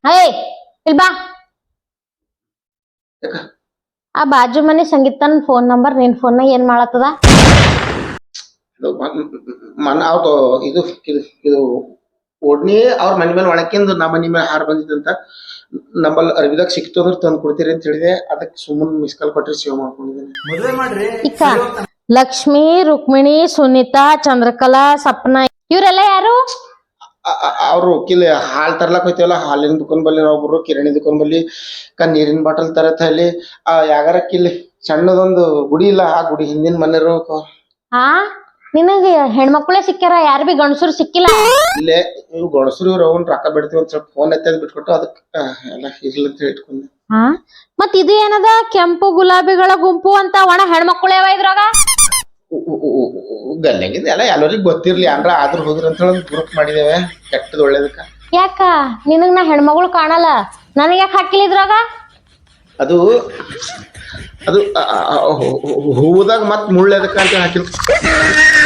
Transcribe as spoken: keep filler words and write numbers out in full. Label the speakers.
Speaker 1: ಹೇ ಇಲ್ ಬಾ. ಆ ಬಾಜು ಮನಿ ಸಂಗೀತನ್ ಫೋನ್ ನಂಬರ್ ನಿನ್ ಫೋನ್ ಏನ್ ಮಾಡತ್ತದ?
Speaker 2: ಮನ ಅವ್ರು ಇದು ಇದು ಇದು ಓಡ್ನಿ ಅವ್ರ ಮನೆ ಮೇಲೆ ಒಳಕಿಂದು ನಮ್ಮ ಮನೆ ಮೇಲೆ ಹಾರ ಬಂದಿತ್ತಂತ ನಮ್ಮಲ್ಲಿ ಅರ್ಬಿದಾಗ ಸಿಕ್ತು ಅಂದ್ರೆ ತಂದು ಕೊಡ್ತೀರಿ ಅಂತ ಹೇಳಿದೆ. ಅದಕ್ಕೆ ಸುಮ್ಮನೆ ಮಿಸ್ ಕಾಲ್ ಕೊಟ್ಟರೆ ಸೇವ್ ಮಾಡ್ಕೊಂಡಿದ್ದೇನೆ.
Speaker 1: ಇಕ್ಕ ಲಕ್ಷ್ಮಿ, ರುಕ್ಮಿಣಿ, ಸುನೀತಾ, ಚಂದ್ರಕಲಾ, ಸಪ್ನ ಇವ್ರೆಲ್ಲ ಯಾರು?
Speaker 2: ಅವ್ರು ಕಿಲ್ ಹಾಲ್ ತರ್ಲಕ್ ಹೋಯ್ತೇವಲ್ಲ, ಹಾಲಿನ ದುಕಾನ್ ಬಲ್ಲಿ ಒಬ್ರು, ಕಿರಾಣಿ ದುಕಾನ್ ಬಲ್ಲಿ ಕ ನೀರಿನ ಬಾಟಲ್ ತರತ್ ಅಲ್ಲಿ ಆ ಯಾಗಾರ ಕಿಲ್ಲಿ ಸಣ್ಣದೊಂದು ಗುಡಿ ಇಲ್ಲ, ಆ ಗುಡಿ ಹಿಂದಿನ ಮನೆಯವರು.
Speaker 1: ಹಾ ನಿನಗೆ ಹೆಣ್ಮಕ್ಳೇ ಸಿಕ್ಕ್ಯಾರ, ಯಾರು ಬಿ ಗಂಡಸರು ಸಿಕ್ಕಿಲ್ಲ?
Speaker 2: ಇಲ್ಲೇ ಇವ್ ಗಣಸರು ಇವ್ರು ಅವನ್ ರೊಕ್ಕ ಬಿಡ್ತೀವಿ ಒಂದ್ ಸ್ವಲ್ಪ ಫೋನ್ ಎತ್ತದ್ ಬಿಟ್ಕೊಟ್ಟು ಅದಕ್ಕೆ ಎಲ್ಲ ಇರ್ಲಿ ಅಂತ ಇಟ್ಕೊಂಡೆ.
Speaker 1: ಹಾ ಮತ್ ಇದು ಏನದ ಕೆಂಪು ಗುಲಾಬಿಗಳ ಗುಂಪು ಅಂತ? ಒಣ ಹೆಣ್ಮಕ್ಳು ಯಾವ ಇದ್ರಾಗ?
Speaker 2: ಗಲ್ಲಾಗಿದೆ ಎಲ್ಲ ಎಲ್ಲರಿಗೂ ಗೊತ್ತಿರ್ಲಿ ಅಂದ್ರ ಆದ್ರೂ ಹೋಗ್ರಿ ಅಂತ ಹೇಳಿ ಗ್ರೂಪ್ ಮಾಡಿದೇವೆ ಕೆಟ್ಟದ್ ಒಳ್ಳೇದಕ್ಕ.
Speaker 1: ಯಾಕ ನಿನಗ್ ನಾ ಹೆಣ್ಮಗಳು ಕಾಣಲ್ಲ, ನನಗ್ ಯಾಕೆ ಹಾಕಿಲ್ಲ ಇದ್ರಾಗ?
Speaker 2: ಅದು ಅದು ಹೂವದಾಗ ಮತ್ ಮುಳ್ಳೆದಕ್ಕ ಅಂತ ಹಾಕಿಲ್.